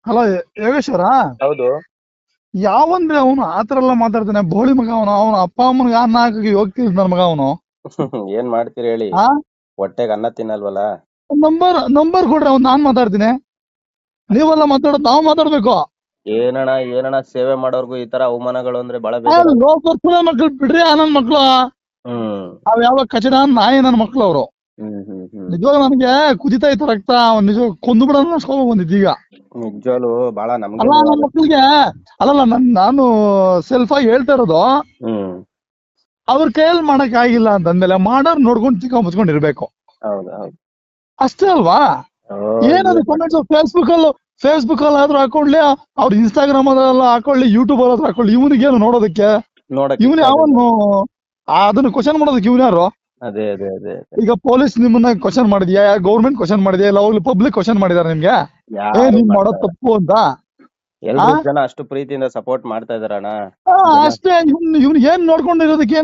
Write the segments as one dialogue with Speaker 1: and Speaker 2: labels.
Speaker 1: Hello Yogeshwara.
Speaker 2: ಹೌದು.
Speaker 1: ಯಾವಂದ್ರೆ ಅವನು ಆತರ ಎಲ್ಲ ಮಾತಾಡ್ತಾನೆ, ಬೋಳಿ ಮಗ ಅವನು. ಅವನ ಅಪ್ಪ ಅಮ್ಮನಿಗೆ ಅನ್ನ ಹಾಕಿ ಹೋಗ್ತಿದ್ ನನ್ ಮಗ ಅವನು.
Speaker 2: ಏನ್ ಮಾಡ್ತೀರಿ ಹೇಳಿ,
Speaker 1: ಆ
Speaker 2: ಹೊಟ್ಟೆಗೆ ಅನ್ನ ತಿನ್ನಲ್ವಲ್ಲ.
Speaker 1: ನಂಬರ್ ನಂಬರ್ ಕೊಡ್ರಿ, ಅವ್ನು ನಾನ್ ಮಾತಾಡ್ತೀನಿ. ನೀವೆಲ್ಲ ಮಾತಾಡೋದು ನಾವು ಮಾತಾಡ್ಬೇಕು.
Speaker 2: ಏನಣ್ಣ ಸೇವೆ ಮಾಡೋರ್ಗು ಈ ತರ ಅವಮಾನಗಳು ಅಂದ್ರೆ ಬಹಳ ಬೇಜಾರ.
Speaker 1: ಲೋಕರ್ಪುರ ಮಕ್ಳು ಬಿಡ್ರಿ, ನನ್ ಮಕ್ಳು
Speaker 2: ಹ್ಮ್
Speaker 1: ಅವ್ ಯಾವ ಕಚಡ ನಾಯಿ ನನ್ ಮಕ್ಳು ಅವರು.
Speaker 2: ಹ್ಮ್ ಹ್ಮ್ ಹ್ಮ್
Speaker 1: ನಿಜವಾಗ ನನ್ಗೆ ಕುದಿತಾ ಇತ್ತು ರಕ್ತ. ಅವ್ನ್ ನಿಜ ಕೊಂದು ಬಿಡೋಣ ಅನ್ಸ್ಕೊಂಡ್ ಬಂದಿದ್ದು ಈಗ.
Speaker 2: ನಿಜವಾಗ್ಲು ಬಹಳ ನಮ್ಗೆ
Speaker 1: ಅಲ್ಲ
Speaker 2: ನೋವು
Speaker 1: ನನ್
Speaker 2: ಆಗುತ್ತೆ.
Speaker 1: ಮಕ್ಳಿಗೆ ಅಲ್ಲಲ್ಲ ನಾನು ಸೆಲ್ಫ್ ಆಗಿ ಹೇಳ್ತಾ ಇರೋದು.
Speaker 2: ಹ್ಮ್
Speaker 1: ಅವ್ರ ಕೈಯಲ್ಲಿ ಮಾಡಕ್ ಆಗಿಲ್ಲ ಅಂತಂದ್ಮೇಲೆ ಮಾಡೋರ್ ನೋಡ್ಕೊಂಡು ಚಿಕ್ಕ ಮುಚ್ಕೊಂಡಿರ್ಬೇಕು,
Speaker 2: ಹೌದು ಹೌದು.
Speaker 1: ಅಷ್ಟೇ ಅಲ್ವಾ? ಏನದು
Speaker 2: ಏನ್
Speaker 1: ಕಮೆಂಟ್ಸ್ ಫೇಸ್ಬುಕ್ ಅಲ್ಲಿ ಆದ್ರೂ ಹಾಕೊಳ್ಳಿ, ಅವ್ರ ಇನ್ಸ್ಟಾಗ್ರಾಮ್ ಅಲ್ಲ ಹಾಕೊಳ್ಳಿ, ಯೂಟ್ಯೂಬ್ ಅಲ್ಲಾದ್ರೂ ಹಾಕೊಳ್ಳಿ, ಇವನಿಗೇನು ನೋಡೋದಕ್ಕೆ?
Speaker 2: ನೋಡಕ್
Speaker 1: ಇವನು
Speaker 2: ಇಷ್ಟ ಆಗಲ್ಲ.
Speaker 1: ಯಾವನು ಅದನ್ನ ಕ್ವಶನ್ ಮಾಡೋದಕ್ಕೆ ಇವನು ಯಾರು?
Speaker 2: ಅದೇ ಅದೇ ಅದೇ ಅದೇ.
Speaker 1: ಈಗ ಪೊಲೀಸ್ ನಿಮ್ಮನ್ನ ಕ್ವಶನ್ ಮಾಡಿದ್ಯಾ, ಗೌರ್ಮೆಂಟ್ ಕ್ವಶನ್ ಮಾಡಿದ್ಯಾ, ಇಲ್ಲ ಹೋಗ್ಲಿ ಪಬ್ಲಿಕ್ ಕ್ವಶನ್ ಮಾಡಿದಾರೆ ನಿಮ್ಗೆ?
Speaker 2: ಯಾರು
Speaker 1: ನೀನ್ ಮಾಡೋದ್
Speaker 2: ಮಾಡ್ತಾರೆ?
Speaker 1: ತಪ್ಪು ಅಂತ. ಆ
Speaker 2: ಎಲ್ರು ಜನ ಅಷ್ಟು ಪ್ರೀತಿಯಿಂದ ಸಪೋರ್ಟ್ ಮಾಡ್ತಾ ಇದಾರಣ್ಣ.
Speaker 1: ಆ,
Speaker 2: ಜನ
Speaker 1: ಅಷ್ಟೇ. ಇವ್ನು ಏನ್ ನೋಡ್ಕೊಂಡಿರೋದಕ್ಕೆ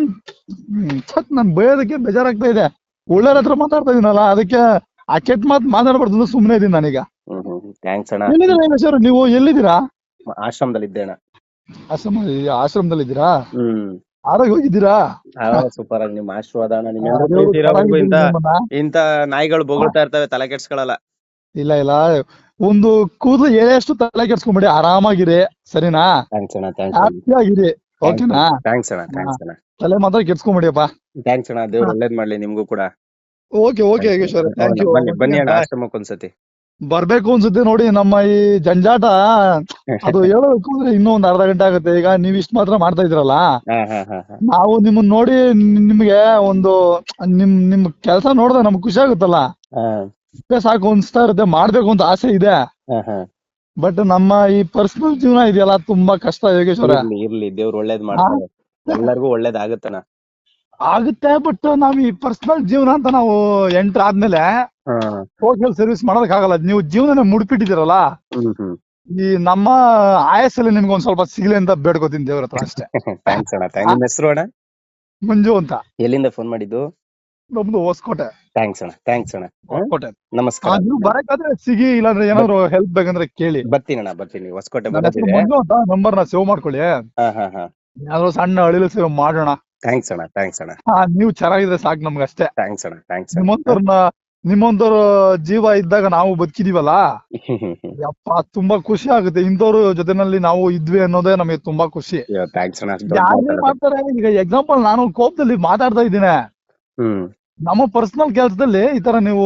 Speaker 1: ನನ್ ಬೈಯೋದಕ್ಕೆ ಬೇಜಾರಾಗ್ತಾ ಇದೆ. ಒಳ್ಳೆಯವ್ರ ಹತ್ರ ಮಾತಾಡ್ತಾ ಇದೀನಲ್ಲ, ಅದಕ್ಕೆ ಆ ಕೆಟ್ಟ ಮಾತು ಮಾತಾಡ್ಬಾರ್ದು ಸುಮ್ಮನೆ ಇದೀನಿ ನಾನೀಗ.
Speaker 2: ಥ್ಯಾಂಕ್ಸ್ ಅಣ್ಣ.
Speaker 1: ಎಲ್ಲಿದ್ದೀರಾ ಯೋಗೇಶ್ವರ? ನೀವು ಎಲ್ಲಿದ್ದೀರಾ?
Speaker 2: ಆಶ್ರಮದಲ್ಲಿ ಇದ್ದೇಣ.
Speaker 1: ಆಶ್ರಮದಲ್ಲಿ ಇದ್ದೀರಾ?
Speaker 2: ಹ್ಮ್
Speaker 1: ಆರೋಗ್ಯ ಹೋಗಿದ್ದೀರಾ?
Speaker 2: ಸೂಪರ್ ಆಗಿ ನಿಮ್ಮ ಆಶೀರ್ವಾದ ಅಣ್ಣ. ನಿಮ್ಮೆಲ್ಲರೂ
Speaker 1: ದೇವ್ರು
Speaker 2: ಪ್ರೀತಿ ಇರೋವರೆಗೂ
Speaker 1: ಚೆನ್ನಾಗಿದ್ದೀನಿ ನಿಮ್ಮನ್ನ.
Speaker 2: ಇಂತ ನಾಯಿಗಳು ಬೊಗಳ್ತಾ ಇರ್ತವೆ, ತಲೆ ಕೆಡ್ಸ್ಕೊಳಲ್ಲ.
Speaker 1: ಇಲ್ಲ ಇಲ್ಲ, ಒಂದು ಕೂದಲು ಎಳೆಯಷ್ಟು ತಲೆ ಕೆಡ್ಸ್ಕೊಂಬಿಡಿ, ಆರಾಮಾಗಿರಿ, ಸರಿನಾ?
Speaker 2: ಥ್ಯಾಂಕ್ಸ್ ಅಣ್ಣ, ಥ್ಯಾಂಕ್ಸ್ ಅಣ್ಣ,
Speaker 1: ಹ್ಯಾಪಿ ಆಗಿರಿ, ಓಕೆನಾ?
Speaker 2: ಥ್ಯಾಂಕ್ಸ್ ಅಣ್ಣ, ಥ್ಯಾಂಕ್ಸ್ ಅಣ್ಣ,
Speaker 1: ತಲೆ ಮಾತ್ರ ಕೆಡ್ಸ್ಕೊಂಬಿಡಿಯಪ್ಪ.
Speaker 2: ಥ್ಯಾಂಕ್ಸ್ ಅಣ್ಣ. ದೇವ್ರು ಒಳ್ಳೇದ್ ಮಾಡ್ಲಿ ನಿಮ್ಗೂ ಕೂಡ.
Speaker 1: Okay okay Yogeshwara, thank you.
Speaker 2: ಬನ್ನಿ ಬನ್ನಿ ಅಣ್ಣ ಆಶ್ರಮಕ್ಕೆ ಒಂದ್ಸತಿ.
Speaker 1: ಬರ್ಬೇಕು ಅನ್ಸುತ್ತೆ ನೋಡಿ. ನಮ್ಮ ಈ ಜಂಜಾಟ ಅದು ಹೇಳಬೇಕು ಅಂದ್ರೆ ಇನ್ನೂ ಒಂದ್ ಅರ್ಧ ಗಂಟೆ ಆಗುತ್ತೆ. ಈಗ ನೀವ್ ಇಷ್ಟ ಮಾತ್ರ ಮಾಡ್ತಾ ಇದ್ರಲ್ಲ, ನಾವು ನಿಮ್ಮನ್ನ ನೋಡಿ ನಿಮ್ಗೆ ಒಂದು ನಿಮ್ ಕೆಲಸ ನೋಡಿದ್ರೆ ನಮ್ಗೆ ಖುಷಿ ಆಗುತ್ತಲ್ಲ, ಸಾಕು ಅನ್ಸ್ತಾ ಇರುತ್ತೆ. ಮಾಡ್ಬೇಕು ಅಂತ ಆಸೆ ಇದೆ. ಬಟ್ ನಮ್ಮ ಈ ಪರ್ಸನಲ್ ಜೀವನ ಇದೆಯಲ್ಲ, ತುಂಬಾ ಕಷ್ಟ ಯೋಗೇಶ್ವರ.
Speaker 2: ಇರ್ಲಿ ದೇವ್ರು ಒಳ್ಳೇದ್ ಮಾಡ್ತಾರೆ, ಎಲ್ಲರಿಗೂ ಒಳ್ಳೇದಾಗತ್ತಣ್ಣ.
Speaker 1: ಆಗುತ್ತೆ, ಬಟ್ ನಾವ್ ಈ ಪರ್ಸನಲ್ ಜೀವನ ಅಂತ ನಾವು ಎಂಟರ್ ಆದ್ಮೇಲೆ ಸೋಷಿಯಲ್ ಸರ್ವಿಸ್ ಮಾಡೋದಕ್ಕಾಗಲ್ಲ. ನೀವು ಜೀವನ ಮುಡ್ಪಿಟ್ಟಿದ್ದೀರಲ್ಲ, ಈ ನಮ್ಮ ಆಯಸ್ಸಲ್ಲಿ ನಿಮ್ಗೆ ಒಂದ್ ಸ್ವಲ್ಪ ಸಿಗ್ಲಿ ಅಂತ ಬೇಡ್ಕೋತೀನಿ ದೇವ್ರ ಹತ್ರ, ಅಷ್ಟೇ.
Speaker 2: ಥ್ಯಾಂಕ್ಸ್ ಅಣ್ಣ. ನಿಮ್ಮ ಹೆಸರು ಅಣ್ಣ?
Speaker 1: ಮಂಜು ಅಂತ.
Speaker 2: ಎಲ್ಲಿಂದ ಫೋನ್ ಮಾಡಿದ್ದು?
Speaker 1: ನಮ್ದು ಹೊಸಕೋಟೆ.
Speaker 2: ಥ್ಯಾಂಕ್ಸ್ ಅಣ್ಣ, ಥ್ಯಾಂಕ್ಸ್ ಅಣ್ಣ.
Speaker 1: ಹೊಸಕೋಟೆ.
Speaker 2: ನಮಸ್ಕಾರ.
Speaker 1: ನೀವು ಬರಕಾದ್ರೆ ಸಿಗಿ, ಇಲ್ಲಾಂದ್ರೆ ಏನಾದ್ರು ಹೆಲ್ಪ್ ಬೇಕಂದ್ರೆ ಕೇಳಿ.
Speaker 2: ಬರ್ತೀನಿ ಅಣ್ಣ, ಬರ್ತೀನಿ. ಹೊಸಕೋಟೆ
Speaker 1: ನನ್ನ ಹೆಸರು ಮಂಜು ಅಂತ. ನಂಬರ್ ನ ಸೇವ್ ಮಾಡ್ಕೊಳ್ಳಿ. ಯಾವ್ದೋ ಸಣ್ಣ ಅಳಿಲು ಸೇವ್ ಮಾಡೋಣ.
Speaker 2: ಥ್ಯಾಂಕ್ಸ್ ಅಣ್ಣ, ಥ್ಯಾಂಕ್ಸ್ ಅಣ್ಣ.
Speaker 1: ನೀವು ಚೆನ್ನಾಗಿದ್ರೆ ಸಾಕು ನಮ್ಗೆ, ಅಷ್ಟೇ.
Speaker 2: ಥ್ಯಾಂಕ್ಸ್ ಅಣ್ಣ, ಥ್ಯಾಂಕ್ಸ್.
Speaker 1: ನಿಮ್ಮಂತವ್ರ ಜೀವ ಇದ್ದಾಗ ನಾವು ಬದುಕಿದೀವಲ್ಲ, ಯಪ್ಪ ತುಂಬಾ ಖುಷಿ ಆಗುತ್ತೆ. ಇಂಥವ್ರ ಜೊತೆನಲ್ಲಿ ನಾವು ಇದ್ವಿ ಅನ್ನೋದೇ ನಮಗೆ ತುಂಬಾ ಖುಷಿ.
Speaker 2: ಥ್ಯಾಂಕ್ಸ್ ಅಣ್ಣ.
Speaker 1: ಯಾರೇ ಮಾಡ್ತಾರೆ. ಈಗ ಎಕ್ಸಾಂಪಲ್, ನಾನು ಕೋಪದಲ್ಲಿ ಮಾತಾಡ್ತಾ ಇದ್ದೀನಿ. ನಮ್ಮ ಪರ್ಸನಲ್ ಕೆಲಸದಲ್ಲಿ ಈ ತರ ನೀವು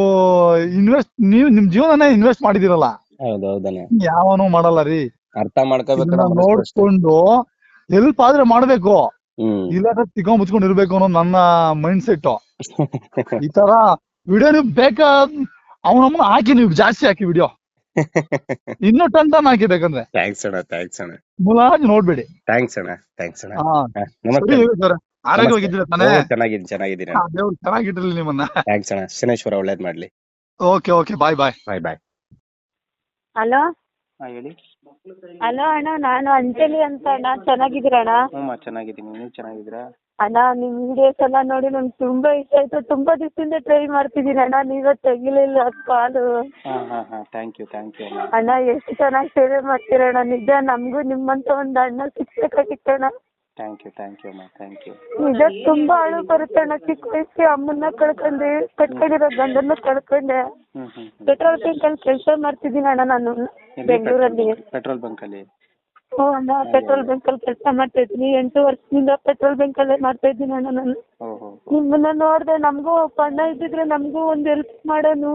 Speaker 1: ನಿಮ್ ಜೀವನನೇ ಇನ್ವೆಸ್ಟ್ ಮಾಡಿದಿರಲ್ಲ, ಯಾವನು ಮಾಡಲ್ಲ ರೀ.
Speaker 2: ಅರ್ಥ ಮಾಡ್ಕೋಬೇಕು,
Speaker 1: ನೋಡ್ಕೊಂಡು ಹೆಲ್ಪ್ ಆದ್ರೆ ಮಾಡ್ಬೇಕು, ಇಲ್ಲಾಂದ್ರೆ ತಿಕ್ಕ ಮುಚ್ಕೊಂಡು ಇರ್ಬೇಕು ಅನ್ನೋ ನನ್ನ ಮೈಂಡ್ ಸೆಟ್. ಈ ತರ ವಿಡಿಯೋ ನೀವು ಬೇಕಾ ಅವನಮ್ಮನ ಹಾಕಿ, ನೀವು ಜಾಸ್ತಿ ಹಾಕಿ ವಿಡಿಯೋ, ಇನ್ನೂ ಟನ್ ಹಾಕಿ ಬೇಕಂದ್ರೆ.
Speaker 2: ಥ್ಯಾಂಕ್ಸ್ ಅಣ್ಣ, ಥ್ಯಾಂಕ್ಸ್ ಅಣ್ಣ.
Speaker 1: ಮುಲಾಜ್ ನೋಡ್ಬೇಡಿ.
Speaker 2: ಥ್ಯಾಂಕ್ಸ್ ಅಣ್ಣ, ಥ್ಯಾಂಕ್ಸ್ ಅಣ್ಣ.
Speaker 1: ಆರೋಗ್ಯವಾಗಿದ್ದೀರಾ ತಾನೇ?
Speaker 2: ಚೆನ್ನಾಗಿದ್ದೀನಿ.
Speaker 1: ದೇವ್ರು ಚೆನ್ನಾಗಿಟ್ಟಿರ್ಲಿ ನಿಮ್ಮನ್ನ.
Speaker 2: ಥ್ಯಾಂಕ್ಸ್ ಅಣ್ಣ. ಶನೇಶ್ವರ ಒಳ್ಳೇದ್ ಮಾಡ್ಲಿ.
Speaker 1: Okay okay, bye bye
Speaker 2: bye bye.
Speaker 3: Hello
Speaker 2: ಹೇಳಿ.
Speaker 3: ಹಲೋ ಅಣ್ಣ, ನಾನು ಅಂಜಲಿ ಅಂತ ಅಣ್ಣ. ಚೆನ್ನಾಗಿದ್ದೀರಾ ಅಣ್ಣ?
Speaker 2: ಚೆನ್ನಾಗಿದ್ದೀನಿ, ನೀವು ಚೆನ್ನಾಗಿದ್ದೀರಾ?
Speaker 3: ಅಣ್ಣ, ನಿಮ್ ವಿಡಿಯೋಸ್ ಎಲ್ಲ ನೋಡಿ ನಂಗೆ ತುಂಬಾ ಇಷ್ಟ ಆಯ್ತು. ತುಂಬಾ ದಿವಸದಿಂದ ಟ್ರೈ ಮಾಡ್ತಿದ್ದೀನಿ ಅಣ್ಣ, ನೀವೇ ತೆಗಿಲಿಲ್ಲ call.
Speaker 2: Thank you, thank you
Speaker 3: ಅಣ್ಣ. ಎಷ್ಟು ಚೆನ್ನಾಗಿ ಸೇವೆ ಮಾಡ್ತೀರಣ್ಣ, ನಿಜ. ನಮಗೂ ನಿಮ್ಮಂತ ಒಂದು ಅಣ್ಣ ಸಿಕ್ಬೇಕಾಗಿತ್ತಣ್ಣ.
Speaker 2: ಥ್ಯಾಂಕ್ ಯು, ಥ್ಯಾಂಕ್ ಯು ಅಮ್ಮ, ಥ್ಯಾಂಕ್ ಯು.
Speaker 3: ನಿಜ ತುಂಬಾ ಅಳು ಬರುತ್ತೆ ಅಣ್ಣ. ಚಿಕ್ಕ ವಯಸ್ಸಿಗೆ ಅಮ್ಮನ್ನ ಕಳ್ಕೊಂಡೆ, ಕಟ್ಕೊಂಡಿರೋ ಗಂಡನ್ನ ಕಳ್ಕೊಂಡೆ. ಪೆಟ್ರೋಲ್ ಬಂಕ್ ಅಲ್ಲಿ ಕೆಲಸ ಮಾಡ್ತಿದ್ದೀನಿ ಅಣ್ಣ ನಾನು, ಬೆಂಗಳೂರಲ್ಲಿ.
Speaker 2: ಪೆಟ್ರೋಲ್ ಬಂಕ್ ಅಲ್ಲಿ?
Speaker 3: ಹ್ಞೂ ಅಣ್ಣ, ಪೆಟ್ರೋಲ್ ಬಂಕ್ ಅಲ್ಲಿ ಕೆಲಸ ಮಾಡ್ತಾ ಇದ್ದೀನಿ. 8 ವರ್ಷದಿಂದ ಪೆಟ್ರೋಲ್ ಬಂಕ್ ಅಲ್ಲೇ ಮಾಡ್ತಾ ಇದ್ದೀನಿ ಅಣ್ಣ ನಾನು. ನಿಮ್ಮನ್ನ ನೋಡ್ದೆ, ನಮಗೂ ಅಣ್ಣ ಇದ್ದಿದ್ರೆ ನಮಗೂ ಒಂದು ಹೆಲ್ಪ್ ಮಾಡೋನು.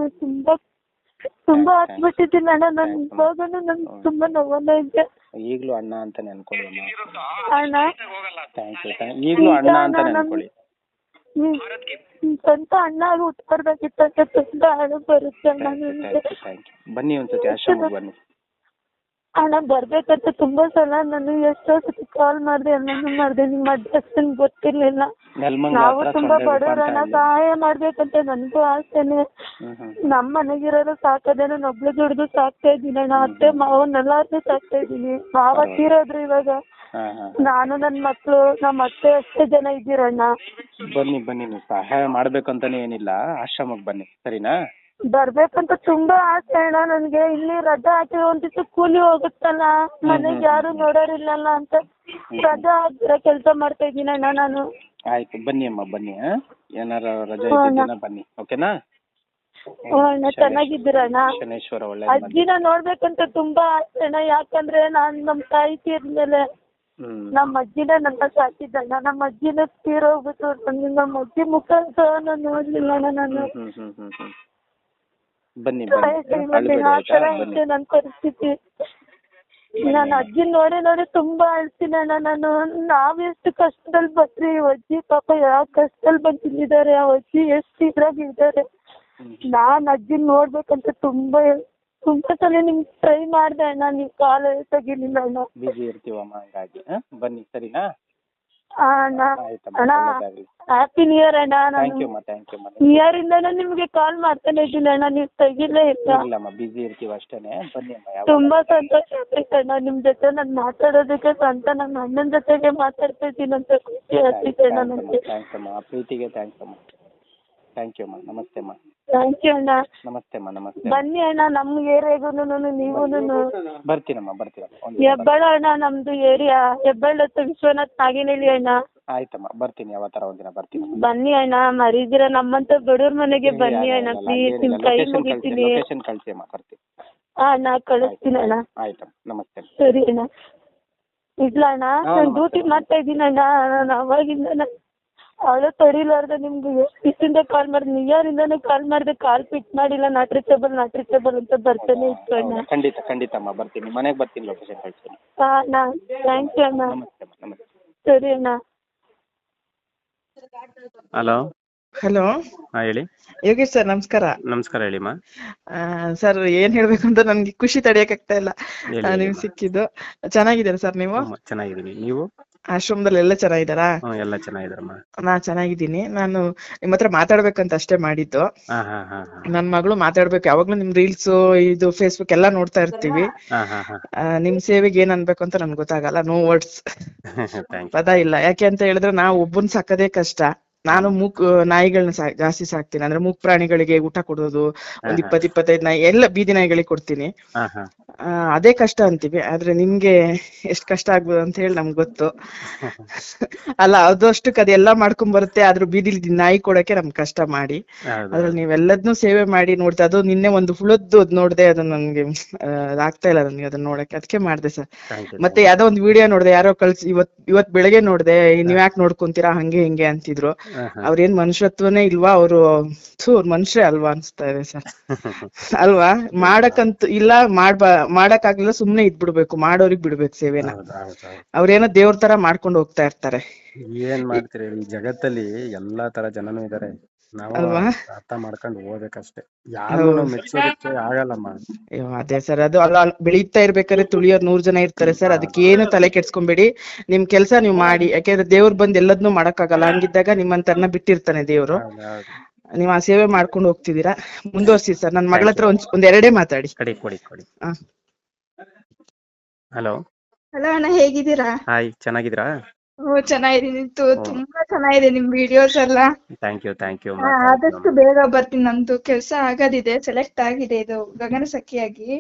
Speaker 3: ತುಂಬಾ ಹತ್ಬಿಟ್ಟಿದ್ದೀನಿ ಅಣ್ಣ ನಾನು. ಇವಾಗನು ನನ್ಗೆ ತುಂಬಾ ನೋವನ್ನ ಇದೆ.
Speaker 2: ಈಗಲೂ ಅಣ್ಣ ಅಂತಾನೆ ಅನ್ಕೊಳ್ಳಿ
Speaker 3: ಅಣ್ಣ.
Speaker 2: Thank you. ಈಗಲೂ ಅಣ್ಣ ಅಂತಾನೆ ಅನ್ಕೊಳ್ಳಿ.
Speaker 3: ಸ್ವಂತ ಅಣ್ಣ ಆಗಿ ಉಟ್ಬರ್ಬೇಕಿತ್ತಂತ ತುಂಬಾ ಅಳು ಬರುತ್ತೆ ಅಣ್ಣ ನನಗೆ.
Speaker 2: ಬನ್ನಿ ಒಂದ್ಸತಿ ಆಶ್ರಮಕ್ಕೆ ಬನ್ನಿ
Speaker 3: ಅಣ್ಣ. ಬರ್ಬೇಕಂತ ತುಂಬಾ ಸಲ ನಾನು ಎಷ್ಟೋ ಸತಿ ಕಾಲ್ ಮಾಡಿದೆ, ಎಲ್ಲಾನು ಮಾಡಿದೆ. ನಿಮ್ಮ ಅಡ್ರೆಸ್ ಗೊತ್ತಿರ್ಲಿಲ್ಲ. ನಾವು ತುಂಬಾ ಬಡವರನ್ನ ಸಹಾಯ ಮಾಡ್ಬೇಕಂತ ನನಗೂ ಆಸೆನೆ. ನಮ್ಮ ಮನೆಗಿರೋರು ಸಾಕದೆ, ನಾನು ಒಬ್ಳು ದುಡ್ದು ಸಾಕ್ತಾ ಇದ್ದೀನಿ ಅಣ್ಣ. ಅತ್ತೆ ಮಾವನ್ನೆಲ್ಲಾರ್ನು ಸಾಕ್ತಾ ಇದ್ದೀನಿ. ಮಾವ ತೀರೋದ್ರು ಇವಾಗ. ನಾನು ನನ್ನ ಮಕ್ಳು, ನಮ್ಮ ಅತ್ತೆ ಅಷ್ಟೇ ಜನ ಇದ್ದೀರಣ್ಣ.
Speaker 2: ಬನ್ನಿ, ನೀವು ಸಹಾಯ ಮಾಡ್ಬೇಕಂತಾನೆ ಏನಿಲ್ಲ, ಆಶ್ರಮಕ್ಕೆ ಬನ್ನಿ, ಸರಿನಾ?
Speaker 3: ಬರ್ಬೇಕಂತ ತುಂಬಾ ಆಸೆ ಅಣ್ಣ ನನ್ಗೆ. ಇಲ್ಲಿ ರಜಾ ಹಾಕಿದ್ರೆ ಒಂದ್ ದಿವಸ ಕೂಲಿ ಹೋಗುತ್ತಲ್ಲ, ಮನೆಗ್ ಯಾರು ನೋಡೋರಿಲ್ಲಲ್ಲ ಅಂತ ರಜಾ ಹಾಕಿದ್ರೆ ಕೆಲ್ಸ ಮಾಡ್ತಾ ಇದೀನಿ ಅಣ್ಣ ನಾನು.
Speaker 2: ಆಯ್ತು ಬನ್ನಿ ಅಮ್ಮ ಬನ್ನಿ, ಏನಾರ ರಜೆ ಇದ್ದ ದಿನ ಬನ್ನಿ, ಓಕೆನಾ?
Speaker 3: ಅಣ್ಣ ಚೆನ್ನಾಗಿದ್ದೀರಣ್ಣ?
Speaker 2: ಶನೇಶ್ವರ ಒಳ್ಳೆ
Speaker 3: ಅಜ್ಜಿನ ನೋಡ್ಬೇಕಂತ ತುಂಬಾ ಆಸೆ ಅಣ್ಣ. ಯಾಕಂದ್ರೆ ನಾನ್ ನಮ್ ತಾಯಿ ತೀರ್ದ್ಮೇಲೆ ನಮ್ಮ ಅಜ್ಜಿನ ನನ್ನ ಸಾಕಿದ್ದಣ್ಣ. ನಮ್ಮ ಅಜ್ಜಿನ ತೀರೋಗ್ಬಿಟ್ಟು ನಮ್ಮ ಅಜ್ಜಿ ಮುಖ ನಾನು ನೋಡ್ಲಿಲ್ಲ ಅಣ್ಣ ನಾನು.
Speaker 2: ಬನ್ನಿ
Speaker 3: ಆ ತರ ಇದೆ ನನ್ ಪರಿಸ್ಥಿತಿ. ನಾನು ಅಜ್ಜಿ ನೋಡಿ ತುಂಬಾ ಅಳ್ತೀನಿ ಅಣ್ಣ ನಾನು. ನಾವೆಷ್ಟು ಕಷ್ಟದಲ್ಲಿ ಬಂದ್ರಿ, ಅಜ್ಜಿ ಪಾಪ ಯಾವ ಕಷ್ಟದಲ್ಲಿ ಬಂದಿದ್ದಾರೆ, ಆ ಅಜ್ಜಿ ಎಷ್ಟು ಇದ್ರಾಗ ಇದ್ದಾರೆ. ನಾನ್ ಅಜ್ಜಿನ ನೋಡ್ಬೇಕಂತ ತುಂಬಾ ಸಲ ನಿಮ್ಗೆ ಟ್ರೈ ಮಾಡ್ದೆ ಅಣ್ಣ, ನೀವ್ ಕಾಲ್ ತೆಗಿಲಿಲ್ಲ ಅಣ್ಣ.
Speaker 2: ಬಿಜಿ ಇರ್ತೀವಮ್ಮ, ಹಂಗಾಗಿ ಬನ್ನಿ ಸರಿನಾ?
Speaker 3: ಅಣ್ಣ ಅಣ್ಣ ಹ್ಯಾಪಿ ನ್ಯೂ ಇಯರ್ ಅಣ್ಣ. ನಾನು ನ್ಯೂ ಇಯರ್ ಇಂದಾನು ನಿಮ್ಗೆ ಕಾಲ್ ಮಾಡ್ತಾನೆ ಇದ್ದೀನಿ ಅಣ್ಣ, ನೀವ್ ತೆಗಿಲೇ ಇಲ್ಲ.
Speaker 2: ಬಿಜಿ ಇರ್ತೀವಿ ಅಷ್ಟೇನೆ, ಬನ್ನಿ ಅಮ್ಮ.
Speaker 3: ತುಂಬಾ ಸಂತೋಷ ಆಗ್ತೈತೆ ಅಣ್ಣ ನಿಮ್ ಜೊತೆ ನಾನು ಮಾತಾಡೋದಕ್ಕೆ. ಸ್ವಂತ ನನ್ನ ಅಣ್ಣನ ಜೊತೆಗೆ ಮಾತಾಡ್ತಾ ಇದ್ದೀನಿ ಅಂತ ಖುಷಿ ಆಗ್ತೈತೆ ಅಣ್ಣ ನನಗೆ.
Speaker 2: ಥ್ಯಾಂಕ್ಸ್ ಅಮ್ಮ, ಪ್ರೀತಿಗೆ ಥ್ಯಾಂಕ್ಸ್ ಅಮ್ಮ. ಥ್ಯಾಂಕ್ ಯು ಅಮ್ಮ, ನಮಸ್ತೆ ಅಮ್ಮ.
Speaker 3: ಥ್ಯಾಂಕ್ ಯು ಅಣ್ಣ.
Speaker 2: ನಮಸ್ತೆ ಅಮ್ಮ, ನಮಸ್ತೆ.
Speaker 3: ಬನ್ನಿ ಅಣ್ಣ ನಮ್ ಏರಿಯಾಗೂನು ನೀವೂನು.
Speaker 2: ಬರ್ತೀನಮ್ಮ.
Speaker 3: ಹೆಬ್ಬಾಳ ಅಣ್ಣ ನಮ್ದು ಏರಿಯಾ, ಹೆಬ್ಬಾಳ ಹತ್ರ ವಿಶ್ವನಾಥ್ ನಾಗೇನಹಳ್ಳಿ ಅಣ್ಣ.
Speaker 2: ಆಯ್ತಮ್ಮ ಬರ್ತೀನಿ, ಯಾವತ್ತರ ಒಂದಿನ ಬರ್ತೀನಿ.
Speaker 3: ಬನ್ನಿ ಅಣ್ಣ, ಮರೀದಿರ ನಮ್ಮಂತ ಬಡವ್ರ ಮನೆಗೆ ಬನ್ನಿ ಅಣ್ಣ ಪ್ಲೀಸ್, ನಿಮ್ ಕೈ ಮುಗಿತೀನಿ.
Speaker 2: ಲೊಕೇಶನ್ ಕಳ್ಸಿ ಅಮ್ಮ, ಬರ್ತೀನಿ.
Speaker 3: ಅಣ್ಣ ಕಳಿಸ್ತೀನಿ ಅಣ್ಣ.
Speaker 2: ಆಯ್ತಮ್ಮ, ನಮಸ್ತೆ.
Speaker 3: ಸರಿ ಅಣ್ಣ, ಇಲ್ಲ ಅಣ್ಣ ನಾನು ಡ್ಯೂಟಿ ಮಾಡ್ತಾ ಇದ್ದೀನಿ ಅಣ್ಣ. ನಾನು ಅವಾಗಿಂದ ಅವಳು ತಡಿಲಾರ್ದೆ ನಿಮ್ಗೆ ಎಷ್ಟು ದಿವಸದಿಂದ ಕಾಲ್ ಮಾಡಿದೆ, ನ್ಯೂ ಇಯರ್ ಇಂದಾನು ಕಾಲ್ ಮಾಡಿದೆ, ಕಾಲ್ ಪಿಕ್ ಮಾಡಿಲ್ಲ. ನಾಟ್ ರೀಚಬಲ್ ಅಂತ ಬರ್ತಾನೆ ಇತ್ತು ಅಣ್ಣ.
Speaker 2: ಖಂಡಿತ ಅಮ್ಮ ಬರ್ತೀನಿ, ಮನೆಗೆ ಬರ್ತೀನಿ, ಲೊಕೇಶನ್ ಕಳ್ಸ್ತೀನಿ.
Speaker 3: ಅಣ್ಣ ಥ್ಯಾಂಕ್ ಯು ಅಣ್ಣ.
Speaker 2: ನಮಸ್ತೆ ಅಮ್ಮ, ನಮಸ್ತೆ.
Speaker 3: ಸರಿ ಅಣ್ಣ.
Speaker 4: ಹಲೋ
Speaker 2: ಹೇಳಿ
Speaker 4: ಯೋಗೇಶ್ ಸರ್, ನಮಸ್ಕಾರ.
Speaker 2: ನಮಸ್ಕಾರ, ಹೇಳಿಮ್ಮ.
Speaker 4: ಸರ್ ಏನ್ ಹೇಳ್ಬೇಕು ಅಂತ ನನ್ಗೆ ಖುಷಿ ತಡೆಯಕ್ ಆಗ್ತಾ ಇಲ್ಲ. ನಿಮ್ ಸಿಕ್ಕಿದ್ದು ಚೆನ್ನಾಗಿದ್ದೀರಾ ಸರ್? ನೀವು?
Speaker 2: ಚೆನ್ನಾಗಿದ್ದೀನಿ. ನೀವು?
Speaker 4: ಆಶ್ರಮದಲ್ಲಿ ಎಲ್ಲ ಚೆನ್ನಾಗಿದ್ದಾರಾ?
Speaker 2: ಎಲ್ಲ ಚೆನ್ನಾಗಿದ್ದಾರಮ್ಮ.
Speaker 4: ನಾ ಚೆನ್ನಾಗಿದ್ದೀನಿ. ನಾನು ನಿಮ್ ಹತ್ರ ಮಾತಾಡ್ಬೇಕಂತ ಅಷ್ಟೇ ಮಾಡಿದ್ದು. ನನ್ ಮಗಳು ಮಾತಾಡ್ಬೇಕು, ಯಾವಾಗ್ಲೂ ನಿಮ್ ರೀಲ್ಸ್ ಇದು ಫೇಸ್ಬುಕ್ ಎಲ್ಲಾ ನೋಡ್ತಾ ಇರ್ತೀವಿ. ನಿಮ್ ಸೇವೆಗೆ ಏನ್ ಅನ್ಬೇಕು ಅಂತ ನನ್ಗೆ ಗೊತ್ತಾಗಲ್ಲ, ನೋ ವರ್ಡ್ಸ್ ಪದ ಇಲ್ಲ. ಯಾಕೆ ಅಂತ ಹೇಳಿದ್ರೆ ನಾವು ಒಬ್ಬನ್ ಸಾಕೋದೇ ಕಷ್ಟ. ನಾನು ಮೂಕ್ ನಾಯಿಗಳನ್ನ ಜಾಸ್ತಿ ಸಾಕ್ತೀನಿ. ಅಂದ್ರೆ ಮೂಕ್ ಪ್ರಾಣಿಗಳಿಗೆ ಊಟ ಕೊಡೋದು, ಒಂದ್ 20-25 ನಾಯಿ ಎಲ್ಲ ಬೀದಿ ನಾಯಿಗಳಿಗೆ ಕೊಡ್ತೀನಿ. ಅದೇ ಕಷ್ಟ ಅಂತೀವಿ, ಆದ್ರೆ ನಿಮ್ಗೆ ಎಷ್ಟ್ ಕಷ್ಟ ಆಗ್ಬೋದು ಅಂತ ಹೇಳಿ ನಮ್ಗೆ ಗೊತ್ತು. ಅಲ್ಲ ಅದಷ್ಟಕ್ಕೆ ಅದೆಲ್ಲಾ ಮಾಡ್ಕೊಂಡ್ ಬರುತ್ತೆ, ಆದ್ರೂ ಬೀದಿಲಿ ನಾಯಿ ಕೊಡಕ್ಕೆ ನಮ್ಗೆ ಕಷ್ಟ ಮಾಡಿ. ಅದ್ರಲ್ಲಿ ನೀವೆಲ್ಲದನ್ನೂ ಸೇವೆ ಮಾಡಿ ನೋಡ್ತಾ, ಅದು ನಿನ್ನೆ ಒಂದು ಹುಳದ್ದು ನೋಡ್ದೆ, ಅದು ನನ್ಗೆ ಆಗ್ತಾ ಇಲ್ಲ ನನ್ಗೆ ಅದನ್ನ ನೋಡಕ್ಕೆ, ಅದಕ್ಕೆ ಮಾಡ್ದೆ ಸರ್. ಮತ್ತೆ ಯಾವ್ದೋ ಒಂದು ವಿಡಿಯೋ ನೋಡ್ದೆ, ಯಾರೋ ಕಳ್ಸಿ ಇವತ್ ಬೆಳಗ್ಗೆ ನೋಡ್ದೆ, ನೀವ್ ಯಾಕೆ ನೋಡ್ಕೊಂತೀರಾ ಹಂಗೆ ಹಿಂಗೆ ಅಂತಿದ್ರು. ಅವ್ರೇನ್ ಮನುಷ್ಯತ್ವನೇ ಇಲ್ವಾ, ಅವ್ರು ಮನುಷ್ಯ ಅಲ್ವಾ ಅನ್ಸ್ತಾ ಇದೆ ಸರ್. ಅಲ್ವಾ? ಮಾಡಕ್ಕಂತ ಇಲ್ಲ, ಮಾಡಕ್ ಆಗ್ಲಿಲ್ಲ, ಸುಮ್ನೆ ಇದ್ಬಿಡ್ಬೇಕು, ಮಾಡೋರಿಗ್ ಬಿಡ್ಬೇಕು ಸೇವೆನ. ಅವ್ರೇನೋ ದೇವ್ರ ತರ ಮಾಡ್ಕೊಂಡು ಹೋಗ್ತಾ ಇರ್ತಾರೆ.
Speaker 2: ಏನ್ ಮಾಡ್ತೀರಿ, ಈ ಜಗತ್ತಲ್ಲಿ ಎಲ್ಲಾ ತರ ಜನನೂ ಇದಾರೆ, ನಾವು ಅರ್ಥ ಮಾಡ್ಕೊಂಡು ಹೋಗ್ಬೇಕಷ್ಟೇ. ಯಾರು ಮೆಚ್ಚೋದಕ್ಕೆ ಆಗಲ್ಲಮ್ಮ.
Speaker 4: ಅದೇ ಸರ್, ಅದು ಅಲ್ಲ ಬೆಳೀತಾ ಇರ್ಬೇಕಾದ್ರೆ ತುಳಿಯೋರ್ 100 ಜನ ಇರ್ತಾರೆ ಸರ್. ಅದಕ್ಕೆ ಏನು ತಲೆ ಕೆಡ್ಸ್ಕೊಂಬೇಡಿ, ನಿಮ್ ಕೆಲ್ಸ ನೀವ್ ಮಾಡಿ. ಯಾಕೆಂದ್ರೆ ದೇವ್ರು ಬಂದ್ ಎಲ್ಲದನ್ನೂ ಮಾಡಕ್ಕಾಗಲ್ಲ. ಹಂಗಿದ್ದಾಗ ನಿಮ್ಮಂತರ್ನ ಬಿಟ್ಟಿರ್ತಾನೆ ದೇವ್ರು. ನೀವ್ ಆ ಸೇವೆ ಮಾಡ್ಕೊಂಡು ಹೋಗ್ತಿದೀರಾ, ಮುಂದುವರ್ಸಿ ಸರ್. ನನ್ ಮಗಳ ಹತ್ರ ಒಂದ್ ಎರಡೇ ಮಾತಾಡಿ.
Speaker 2: ಹಲೋ
Speaker 5: ಅಣ್ಣ, ಹೇಗಿದ್ದೀರಾ?
Speaker 2: ಹಾಯ್, ಚೆನ್ನಾಗಿದ್ದೀರಾ?
Speaker 5: ಚೆನ್ನಾಗಿದ್ದೀನಿ, ತುಂಬಾ ಚೆನ್ನಾಗಿದೆ ನಿಮ್ ವಿಡಿಯೋಸ್ ಎಲ್ಲ.
Speaker 2: Thank you.
Speaker 5: ಆದಷ್ಟು ಬೇಗ ಬರ್ತೀನಿ, ನಮ್ದು ಕೆಲ್ಸ ಆಗೋದಿದೆ, ಸೆಲೆಕ್ಟ್ ಆಗಿದೆ ಇದು ಗಗನ ಸಖಿಯಾಗಿ.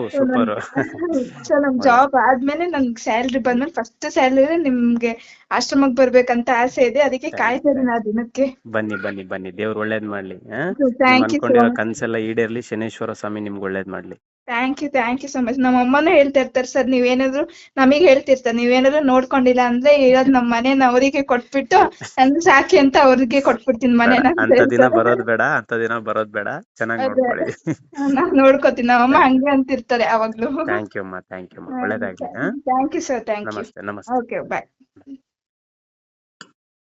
Speaker 5: ಸೊ ನಮ್ ಜಾಬ್ ಆದ್ಮೇಲೆ ನನ್ಗೆ ಸ್ಯಾಲ್ರಿ ಬಂದ್ಮೇಲೆ ಫಸ್ಟ್ ಸ್ಯಾಲರಿ ನಿಮ್ಗೆ ಆಶ್ರಮಕ್ ಬರ್ಬೇಕಂತ ಆಸೆ ಇದೆ, ಅದಕ್ಕೆ ಕಾಯ್ತಾ ಇದೀನಿ ಆ ದಿನಕ್ಕೆ.
Speaker 2: ಬನ್ನಿ, ದೇವ್ರು ಒಳ್ಳೇದ್ ಮಾಡ್ಲಿ.
Speaker 5: Thank you.
Speaker 2: ಕನ್ಸೆಲ್ಲ ಈಡೇರ್ಲಿ, ಶನೇಶ್ವರ ಸ್ವಾಮಿ ನಿಮ್ಗೆ ಒಳ್ಳೇದ್ ಮಾಡ್ಲಿ.
Speaker 5: Thank you so much. ನಮ್ಮ ಅಮ್ಮನೂ ಹೇಳ್ತಾ ಇರ್ತಾರೆ ಸರ್, ನೀವೇನಾದ್ರು ನಮಗ್ ಹೇಳ್ತಿರ್ತಾರೆ, ನೀವೇನಾದ್ರು ನೋಡ್ಕೊಂಡಿಲ್ಲ ಅಂದ್ರೆ ಇರೋದ್ ನಮ್ ಮನೇನ ಅವರಿಗೆ ಕೊಟ್ಬಿಟ್ಟು ನನ್ ಸಾಕಿ ಅಂತ ಅವ್ರಿಗೆ ಕೊಟ್ಬಿಡ್ತೀನಿ ಮನೇನ.
Speaker 2: ಅಂತ ದಿನ ಬರೋದ್ ಬೇಡ, ಚೆನ್ನಾಗಿ ನೋಡ್ಕೊಳ್ಳಿ.
Speaker 5: ನಾನ್ ನೋಡ್ಕೋತೀನಿ, ನಮ್ಮಮ್ಮ ಹಂಗೆ ಅಂತಿರ್ತಾರೆ ಯಾವಾಗ್ಲೂ.
Speaker 2: ಥ್ಯಾಂಕ್ ಯು ಅಮ್ಮ, ಒಳ್ಳೇದಾಗ್ಲಿ.
Speaker 5: Thank you sir, thank you.
Speaker 2: ನಮಸ್ತೆ.
Speaker 5: ಓಕೆ, ಬಾಯ್.